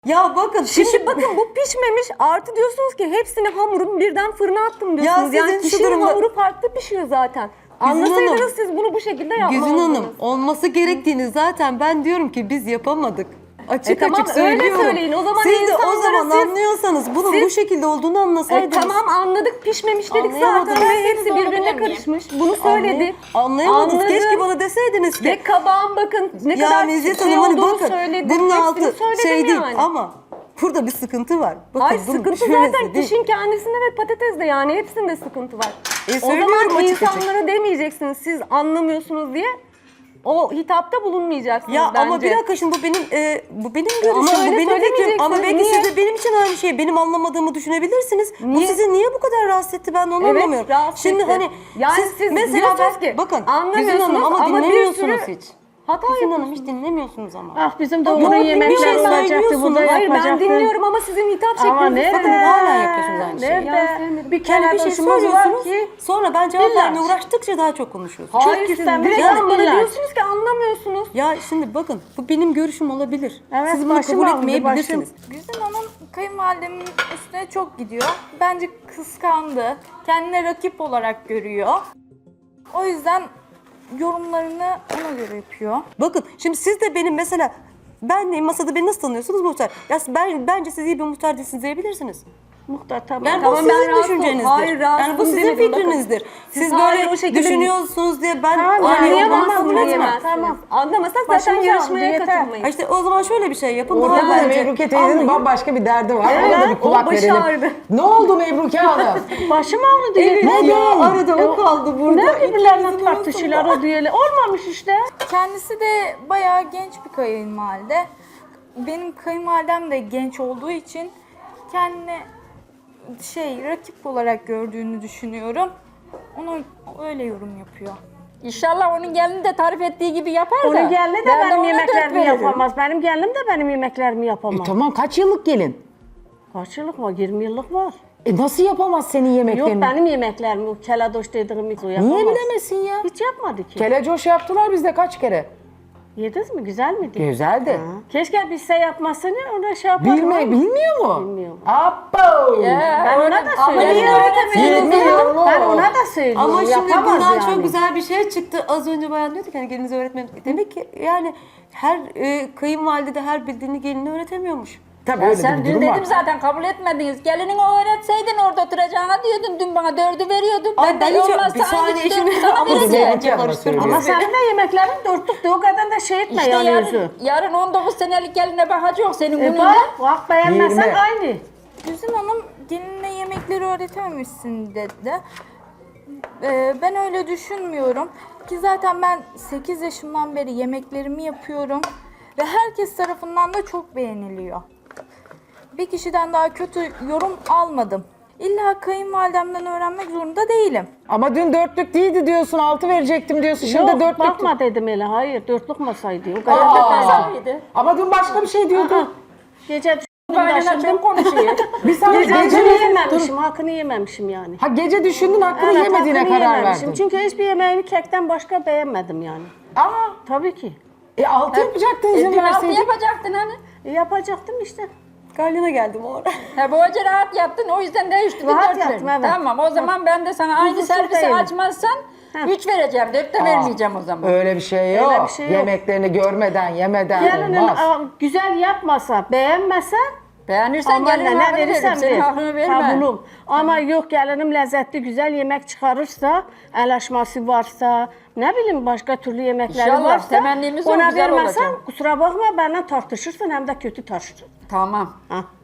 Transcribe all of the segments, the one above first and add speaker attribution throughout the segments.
Speaker 1: Ya bakın
Speaker 2: Şimdi bakın bu pişmemiş artı diyorsunuz ki hepsini hamurun birden fırına attım diyorsunuz.
Speaker 1: Ya
Speaker 2: Yani
Speaker 1: sizin şu
Speaker 2: kişinin
Speaker 1: durumda-
Speaker 2: hamuru farklı pişiyor zaten. Anlasaydınız siz bunu bu şekilde
Speaker 1: Güzin
Speaker 2: yapmazdınız.
Speaker 1: Hanım olması gerektiğini zaten ben diyorum ki biz yapamadık. Açık
Speaker 2: tamam,
Speaker 1: açık
Speaker 2: öyle
Speaker 1: söylüyorum.
Speaker 2: söyleyin. O zaman
Speaker 1: siz de o
Speaker 2: insanlara
Speaker 1: zaman
Speaker 2: siz-
Speaker 1: anlıyorsanız bunun
Speaker 2: siz-
Speaker 1: bu şekilde olduğunu anlasaydınız.
Speaker 2: Tamam anladık pişmemiş dedik
Speaker 1: Anlayamadım.
Speaker 2: zaten ve
Speaker 1: Ben
Speaker 2: hepsi birbirine karışmış. Bunu söyledi.
Speaker 1: Anlayamadınız.
Speaker 2: Anladım.
Speaker 1: Keşke bana deseydiniz ki.
Speaker 2: Ve kabağın bakın ne
Speaker 1: Ya
Speaker 2: kadar
Speaker 1: Meziyet
Speaker 2: şey
Speaker 1: Hanım hani
Speaker 2: olduğunu
Speaker 1: bakın
Speaker 2: söyledi.
Speaker 1: bunun
Speaker 2: Hepsini
Speaker 1: altı
Speaker 2: söyledim
Speaker 1: şey değil
Speaker 2: yani.
Speaker 1: ama burada bir sıkıntı var. Bakın,
Speaker 2: Hayır
Speaker 1: bunun
Speaker 2: sıkıntı
Speaker 1: şurası
Speaker 2: zaten
Speaker 1: değil.
Speaker 2: kişinin kendisinde ve patatesde yani hepsinde sıkıntı var. O
Speaker 1: söylüyorum
Speaker 2: zaman
Speaker 1: açık açık.
Speaker 2: insanlara demeyeceksiniz siz anlamıyorsunuz diye. O hitapta bulunmayacaksınız
Speaker 1: Ya
Speaker 2: bence.
Speaker 1: ama bir dakika şimdi bu benim görüşüm,
Speaker 2: Ama
Speaker 1: bu
Speaker 2: öyle
Speaker 1: benim fikrim. Ama
Speaker 2: söylemeyeceksiniz.
Speaker 1: belki
Speaker 2: Niye?
Speaker 1: siz de benim için aynı şeyi benim anlamadığımı düşünebilirsiniz. Bu
Speaker 2: Niye?
Speaker 1: sizi niye bu kadar rahatsız etti ben de onu
Speaker 2: Evet,
Speaker 1: anlamıyorum.
Speaker 2: rahatsız
Speaker 1: Şimdi
Speaker 2: etti.
Speaker 1: hani
Speaker 2: Yani siz diyorsunuz ki,
Speaker 1: bakın Güzin
Speaker 2: anlamıyorsunuz
Speaker 1: Hanım ama
Speaker 2: ama bir
Speaker 1: dinlemiyorsunuz
Speaker 2: sürü
Speaker 1: hiç.
Speaker 2: hata
Speaker 1: Güzin Hanım
Speaker 2: yapıyorsunuz.
Speaker 1: hiç dinlemiyorsunuz ama.
Speaker 3: Ah bizim
Speaker 1: Yok,
Speaker 3: doğru
Speaker 1: bir
Speaker 3: yemekler
Speaker 1: şey
Speaker 3: olacaktı, bu da
Speaker 1: söylüyorsunuz.
Speaker 2: Hayır ben
Speaker 3: yapacaktı.
Speaker 2: dinliyorum ama sizin hitap
Speaker 3: Ama
Speaker 2: şekliniz.
Speaker 3: nerede?
Speaker 1: Bakın hala yapıyorsunuz aynı şeyi.
Speaker 2: Ya,
Speaker 3: Nerede?
Speaker 2: sevmedim.
Speaker 3: Bir kere
Speaker 1: Yani bir şey
Speaker 3: doşumuz var
Speaker 1: söylüyorsunuz
Speaker 3: ki
Speaker 1: sonra ben cevap
Speaker 3: İlla.
Speaker 1: vermeye uğraştıkça daha çok konuşuyorsunuz.
Speaker 2: Hayır
Speaker 3: Çok
Speaker 2: siz
Speaker 3: güzel,
Speaker 2: direkt
Speaker 3: güzel
Speaker 2: bana
Speaker 3: ilaç.
Speaker 2: diyorsunuz ki anlamıyorsunuz.
Speaker 1: Ya şimdi bakın bu benim görüşüm olabilir.
Speaker 3: Evet,
Speaker 1: Siz bunu
Speaker 3: başım
Speaker 1: kabul
Speaker 3: ağrıdı,
Speaker 1: etmeyebilirsiniz.
Speaker 4: Güzin Hanım kayınvalidemin üstüne çok gidiyor. Bence kıskandı. Kendine rakip olarak görüyor. O yüzden yorumlarını ona göre yapıyor.
Speaker 1: Bakın şimdi siz de benim mesela ben masada beni nasıl tanıyorsunuz muhtar? Ya bence siz iyi bir muhtar değilsiniz diyebilirsiniz.
Speaker 3: muhtar tamam.
Speaker 1: Yani
Speaker 2: Tamam,
Speaker 1: bu
Speaker 2: ben
Speaker 1: sizin
Speaker 2: rahatsız
Speaker 1: düşüncenizdir.
Speaker 2: Hayır, rahatsız
Speaker 1: Yani bu sizin
Speaker 2: demedim, bakın.
Speaker 1: fikrinizdir. Siz
Speaker 2: hayır,
Speaker 1: böyle
Speaker 2: o şekilde
Speaker 1: düşünüyorsunuz diye ben
Speaker 3: Tamam,
Speaker 1: aynı
Speaker 3: yani
Speaker 1: yoldan
Speaker 3: yapamazsınız,
Speaker 1: kabul
Speaker 3: diyemem.
Speaker 1: etmem.
Speaker 2: Diyemezsiniz.
Speaker 3: Tamam.
Speaker 2: Anlamasak
Speaker 3: Başımız
Speaker 2: zaten
Speaker 3: ağrıdı,
Speaker 2: yarışmaya
Speaker 3: yeter.
Speaker 2: katılmayın.
Speaker 1: İşte o zaman şöyle bir şey yapın.
Speaker 5: Orada
Speaker 1: Daha
Speaker 5: da
Speaker 1: bence
Speaker 5: Mebruke teyzenin
Speaker 1: anlayın.
Speaker 5: bambaşka bir derdi var.
Speaker 2: Evet,
Speaker 5: Ona da bir kulak
Speaker 2: o başı
Speaker 5: verelim.
Speaker 2: ağrıdı.
Speaker 5: Ne oldu Mebruke Hanım?
Speaker 3: Başım ağrıdı.
Speaker 1: Evet
Speaker 3: yeter.
Speaker 1: ya arada o kaldı burada.
Speaker 3: Ne birbirlerine
Speaker 1: İkimizin
Speaker 3: tartışıyorlar o düğüyle. Olmamış işte.
Speaker 4: Kendisi de bayağı genç bir kayınvalide. Benim kayınvalidem de genç olduğu için kendine rakip olarak gördüğünü düşünüyorum. Ona öyle yorum yapıyor.
Speaker 6: İnşallah onun gelini de tarif ettiği gibi yapar da.
Speaker 3: Onun gelini de
Speaker 6: ben
Speaker 3: benim
Speaker 6: ona dört
Speaker 3: yemeklerimi
Speaker 6: veririm.
Speaker 3: yapamaz. Benim gelinim de benim yemeklerimi yapamaz.
Speaker 5: Tamam kaç yıllık gelin?
Speaker 3: Kaç yıllık var? 20 yıllık var.
Speaker 5: Nasıl yapamaz senin
Speaker 3: Yok
Speaker 5: yemeklerini?
Speaker 3: benim yemeklerimi, o keladoş dediğim hiç o yapamaz.
Speaker 5: Niye bilemesin ya?
Speaker 3: Hiç yapmadı ki.
Speaker 5: Kelecoş yaptılar bizde kaç kere?
Speaker 3: Yediniz mi? Güzel miydi?
Speaker 5: Güzeldi.
Speaker 3: Keşke bilse yapmasını ona şey yaparım.
Speaker 5: Bilmiyor mu?
Speaker 3: Bilmiyor.
Speaker 5: Appo!
Speaker 3: Ben ona da
Speaker 6: Ama
Speaker 3: söylüyorum.
Speaker 6: niye öğretemediniz?
Speaker 5: Bilmiyor.
Speaker 3: Ben ona da söylüyorum.
Speaker 1: Ama şimdi
Speaker 3: yapamaz
Speaker 1: buradan
Speaker 3: yani.
Speaker 1: çok güzel bir şey çıktı. Az önce bayan diyordu ki hani gelinize öğretmem. Demek ki yani her kayınvalide de her bildiğini geline öğretemiyormuş.
Speaker 5: Tabii
Speaker 6: Ya
Speaker 5: öyle
Speaker 6: sen
Speaker 5: bir
Speaker 6: dün
Speaker 5: durum var.
Speaker 6: dedim zaten kabul etmediniz. Gelinin o öğretseydin orada oturacağına diyordun. Dün bana 4'ü veriyordun.
Speaker 1: Ay ben hiç
Speaker 6: olmazsa
Speaker 1: bir saniye
Speaker 6: hangisi
Speaker 1: şimdi
Speaker 6: dördü sana
Speaker 1: ama
Speaker 6: vereceğim.
Speaker 5: Mebruke Hanım'a
Speaker 1: karıştırma.
Speaker 5: söylüyor.
Speaker 3: Ama senin de yemeklerin dörtlüktü. O kadar da şey etme
Speaker 6: İşte
Speaker 3: yani yüzü.
Speaker 6: yarın 19 senelik geline bakacak senin gününde.
Speaker 3: Bak beğenmezsen
Speaker 5: 20.
Speaker 3: aynı.
Speaker 4: Güzin Hanım gelinine yemekleri öğretememişsin dedi. Ben öyle düşünmüyorum. Ki zaten ben 8 yaşımdan beri yemeklerimi yapıyorum. Ve herkes tarafından da çok beğeniliyor. Bir kişiden daha kötü yorum almadım. İlla kayınvalidemden öğrenmek zorunda değilim.
Speaker 5: Ama dün dörtlük değildi diyorsun, 6 verecektim diyorsun. Şimdi
Speaker 3: Yok
Speaker 5: dörtlük.
Speaker 3: bakma dedim öyle. Hayır dörtlük masaydı. O kadar da
Speaker 5: Aa,
Speaker 6: mıydı?
Speaker 5: ama dün başka bir şey diyordun.
Speaker 3: Gece
Speaker 6: Kaynana çok konuşuyor.
Speaker 5: Bir saniye
Speaker 3: Hakkını
Speaker 5: gece
Speaker 3: yememişim, hakkını yememişim yani.
Speaker 5: Ha gece düşündün hakkını
Speaker 3: Evet,
Speaker 5: yemediğine
Speaker 3: hakkını
Speaker 5: karar
Speaker 3: yememişim.
Speaker 5: verdin.
Speaker 3: Çünkü hiçbir yemeğini kekten başka beğenmedim yani.
Speaker 5: Aa,
Speaker 3: Tabii ki.
Speaker 5: 6 yapacaktın izin
Speaker 6: Dün altı
Speaker 5: verseydin.
Speaker 6: yapacaktın hani.
Speaker 3: Yapacaktım işte.
Speaker 1: Galyana geldim o ara.
Speaker 6: He bu hoca rahat yaptın o yüzden de 3'lü
Speaker 3: Rahat
Speaker 6: 4
Speaker 3: yaptım,
Speaker 6: verdin.
Speaker 3: evet.
Speaker 6: Tamam o zaman ben de sana aynı
Speaker 3: Huzursuz
Speaker 6: servisi
Speaker 3: değilim.
Speaker 6: açmazsan 3 vereceğim. 4 de vermeyeceğim o zaman.
Speaker 5: Öyle bir şey yok.
Speaker 3: Öyle bir şey yok.
Speaker 5: Yemeklerini görmeden, yemeden
Speaker 3: Gelinin
Speaker 5: olmaz.
Speaker 3: güzel yapmasa, beğenmese
Speaker 6: Beğenirsen
Speaker 3: ama
Speaker 6: gelinin
Speaker 3: ne
Speaker 6: hakkını veririm.
Speaker 3: verirsen
Speaker 6: Senin
Speaker 3: ver.
Speaker 6: hakkını verme.
Speaker 3: Kabulüm. Ama yok gelinim lezzetli güzel yemek çıkarırsa, el açması varsa, ne bileyim başka türlü yemekleri
Speaker 6: İnşallah,
Speaker 3: varsa
Speaker 6: temennimiz o
Speaker 3: ona
Speaker 6: güzel
Speaker 3: vermezsen
Speaker 6: olacak.
Speaker 3: kusura bakma benden tartışırsın hem de kötü tartışırsın.
Speaker 6: Tamam.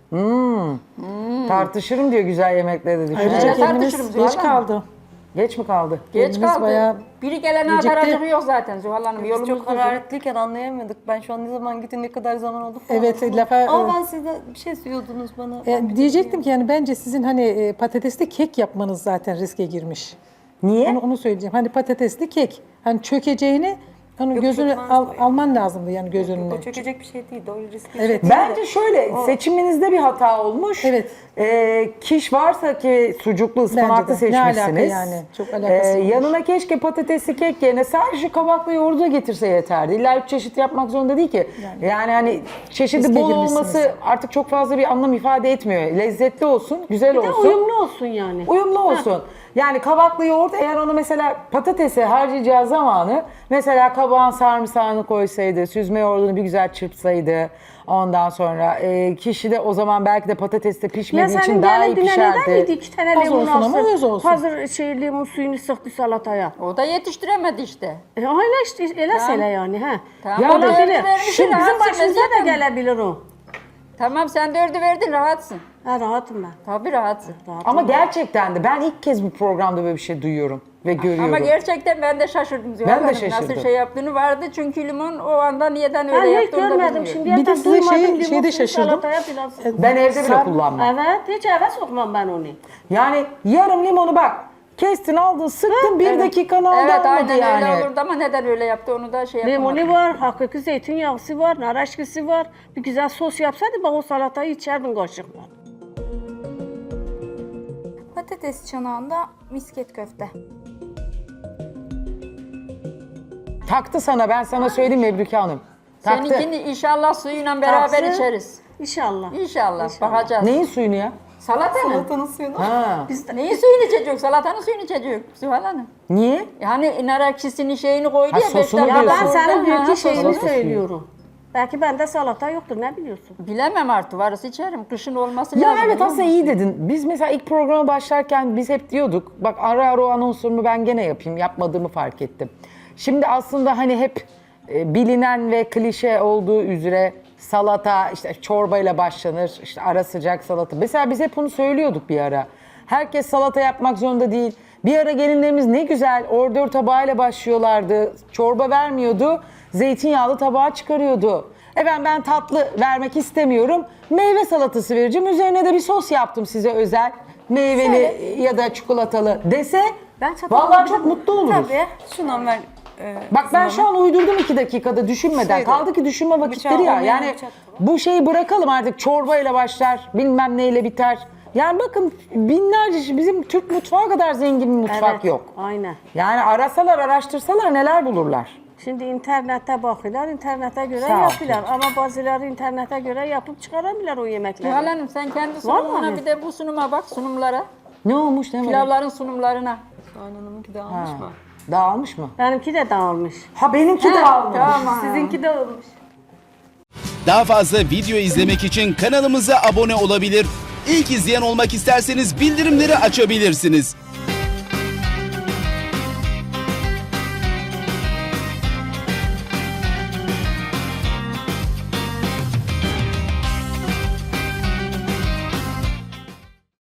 Speaker 5: Tartışırım diyor güzel yemekleri de
Speaker 7: Ayrıca
Speaker 5: düşünüyor.
Speaker 6: tartışırım
Speaker 7: kendimiz
Speaker 6: Zuhal
Speaker 7: geç
Speaker 6: Hanım.
Speaker 7: kaldı.
Speaker 5: Geç mi kaldı?
Speaker 6: Geç
Speaker 7: Kendimiz
Speaker 6: kaldı.
Speaker 7: bayağı
Speaker 6: Biri gelene
Speaker 7: gecikti.
Speaker 6: ataracığı yok zaten Zuhal Hanım.
Speaker 1: Biz
Speaker 6: Yolumuz
Speaker 1: çok hararetliyken anlayamadık. Ben şu an ne zaman gittin ne kadar zaman oldu falan.
Speaker 7: Evet,
Speaker 1: Ama
Speaker 7: lafa-
Speaker 1: ben sizden bir şey diyordunuz bana.
Speaker 7: diyecektim ki yani bence sizin hani patatesli kek yapmanız zaten riske girmiş.
Speaker 5: Niye?
Speaker 7: Onu söyleyeceğim. Hani patatesli kek. Hani çökeceğini Onun
Speaker 1: Yok,
Speaker 7: gözünü
Speaker 1: çökmez o ya.
Speaker 7: alman lazımdı yani göz önüne.
Speaker 1: O çökecek bir şey değil. Doğru riskli
Speaker 7: Evet.
Speaker 1: bir şey değil de.
Speaker 5: Bence şöyle seçiminizde bir hata olmuş.
Speaker 7: Evet.
Speaker 5: Kiş varsa ki sucuklu ıspanaklı
Speaker 7: Bence de. Ne alaka
Speaker 5: seçmişsiniz.
Speaker 7: yani? Çok alakası olmuş.
Speaker 5: Yanına keşke patatesli kek yerine sadece kabaklı yoğurdu da getirse yeterdi. İlla 3 çeşit yapmak zorunda değil ki. Yani hani çeşidi
Speaker 7: Riske
Speaker 5: bol
Speaker 7: girmişsiniz.
Speaker 5: olması artık çok fazla bir anlam ifade etmiyor. Lezzetli olsun, güzel
Speaker 3: Bir de
Speaker 5: olsun.
Speaker 3: uyumlu olsun yani.
Speaker 5: Uyumlu olsun. Yani kabaklı yoğurt eğer onu mesela patatese harcayacağı zamanı mesela kabağın sarımsağını koysaydı, süzme yoğurdunu bir güzel çırpsaydı ondan sonra kişi de o zaman belki de patates de
Speaker 3: Ya
Speaker 5: pişmediği için
Speaker 3: senin
Speaker 5: daha iyi
Speaker 3: gelin dünə neden
Speaker 5: pişerdi.
Speaker 3: miydi? 2 tane
Speaker 7: Az
Speaker 3: limon
Speaker 7: olsun ama öz
Speaker 3: alsın.
Speaker 7: olsun.
Speaker 3: Hazır limon suyunu sıktı salataya.
Speaker 6: O da yetiştiremedi işte.
Speaker 3: Öyle işte, elə yani ha.
Speaker 6: Tamam,
Speaker 5: Ya
Speaker 6: o da
Speaker 5: da-
Speaker 6: dördü
Speaker 3: Olabilir.
Speaker 6: vermişsin,
Speaker 3: Şimdi bizim
Speaker 6: rahatsın
Speaker 3: başımıza da
Speaker 6: zaten.
Speaker 3: gelebilir o.
Speaker 6: Tamam sen 4'ü verdin rahatsın.
Speaker 3: Ha rahatım ben.
Speaker 6: Tabii rahatsın.
Speaker 5: Ama gerçekten de ben ilk kez bu programda böyle bir şey duyuyorum ve görüyorum.
Speaker 6: Ama gerçekten ben de şaşırdım. Zuhal
Speaker 5: Ben de
Speaker 6: Hanım.
Speaker 5: şaşırdım.
Speaker 6: Nasıl şey yaptığını vardı çünkü limon o anda niyeden
Speaker 3: Ben
Speaker 6: öyle
Speaker 3: hiç
Speaker 6: yaptı onu da
Speaker 3: görmedim
Speaker 6: bilmiyorum.
Speaker 3: şimdiye
Speaker 7: Bir de
Speaker 3: kadar
Speaker 7: size
Speaker 3: duymadım
Speaker 7: şeyde
Speaker 3: limon suyu
Speaker 7: şaşırdım.
Speaker 3: salataya biraz.
Speaker 5: Ben evde bile kullanmam.
Speaker 3: Evet hiç eve sokmam ben onu.
Speaker 5: Yani yarım limonu bak kestin aldın sıktın bir dakikanı aldı
Speaker 6: Evet
Speaker 5: almadı
Speaker 6: aynen
Speaker 5: yani.
Speaker 6: öyle olurdu ama neden öyle yaptı onu da şey yapamadım.
Speaker 3: Limonu var, hakiki zeytinyağısı var, nar eşkisi var. Bir güzel sos yapsaydı bak o salatayı içerdin kaşıkla.
Speaker 4: Patates çanağında misket köfte.
Speaker 5: Taktı sana ben sana söyleyeyim Mebruke Hanım. Taktı.
Speaker 6: Seninkini inşallah suyuyla beraber
Speaker 3: Taksın.
Speaker 6: içeriz.
Speaker 3: İnşallah.
Speaker 6: İnşallah, bakacağız.
Speaker 5: Neyin suyunu ya?
Speaker 6: Salata mı?
Speaker 1: Salatanın suyunu.
Speaker 5: Ha.
Speaker 6: Neyin suyunu içecek? Salatanın suyunu içecek. Zuhal Hanım.
Speaker 5: Niye?
Speaker 6: Yani nar ekşisinin şeyini koydu
Speaker 5: Ha,
Speaker 6: ya.
Speaker 5: sosunu
Speaker 6: beş dakika
Speaker 3: Ya ben
Speaker 5: diyorsun.
Speaker 6: sonra,
Speaker 3: senin
Speaker 6: ha,
Speaker 3: büyük şeyini
Speaker 5: salata suyu.
Speaker 3: söylüyorum. Belki bende salata yoktur ne biliyorsun?
Speaker 6: Bilemem artık varsa içerim. Kışın olması
Speaker 5: Ya
Speaker 6: lazım.
Speaker 5: evet
Speaker 6: biliyor
Speaker 5: aslında
Speaker 6: musun?
Speaker 5: iyi dedin. Biz mesela ilk programa başlarken biz hep diyorduk. Bak ara ara o anonsumu ben gene yapayım. Yapmadığımı fark ettim. Şimdi aslında hani hep bilinen ve klişe olduğu üzere salata işte çorbayla başlanır. İşte ara sıcak salata. Mesela biz hep bunu söylüyorduk bir ara. Herkes salata yapmak zorunda değil. Bir ara gelinlerimiz ne güzel ordör tabağıyla başlıyorlardı. Çorba vermiyordu. Zeytinyağlı tabağa çıkarıyordu. Efendim ben tatlı vermek istemiyorum. Meyve salatası vereceğim. Üzerine de bir sos yaptım size özel. Meyveli ya da çikolatalı dese
Speaker 1: Ben çatal
Speaker 5: vallahi
Speaker 1: alabilir
Speaker 5: çok
Speaker 1: miyim?
Speaker 5: mutlu oluruz.
Speaker 1: Tabii. Şundan ver.
Speaker 5: Bak ben şu an uydurdum 2 dakikada düşünmeden.
Speaker 1: Şeydi,
Speaker 5: Kaldı ki düşünme vakitleri ya.
Speaker 1: olmayan
Speaker 5: Yani
Speaker 1: bıçak.
Speaker 5: bu şeyi bırakalım artık çorbayla başlar bilmem neyle biter. Yani bakın binlerce bizim Türk mutfağı kadar zengin bir mutfak yok.
Speaker 3: Aynen.
Speaker 5: Yani arasalar araştırsalar neler bulurlar.
Speaker 3: Şimdi internete bakıyorlar, internete göre
Speaker 5: Sağ ol.
Speaker 3: yapıyorlar. Ama bazıları internete göre yapıp çıkaramıyorlar o yemekleri.
Speaker 6: Zuhal Hanım sen kendi sunumuna
Speaker 3: Vallahi.
Speaker 6: bir de bu sunuma bak sunumlara.
Speaker 5: Ne olmuş ne var?
Speaker 6: Pilavların sunumlarına.
Speaker 1: Soğan Hanım'ınki de almış mı?
Speaker 5: Dağılmış mı?
Speaker 3: Benimki de dağılmış.
Speaker 5: Ha benimki dağılmış.
Speaker 1: Sizinki de olmuş.
Speaker 8: Daha fazla video izlemek için kanalımıza abone olabilir. İlk izleyen olmak isterseniz bildirimleri açabilirsiniz.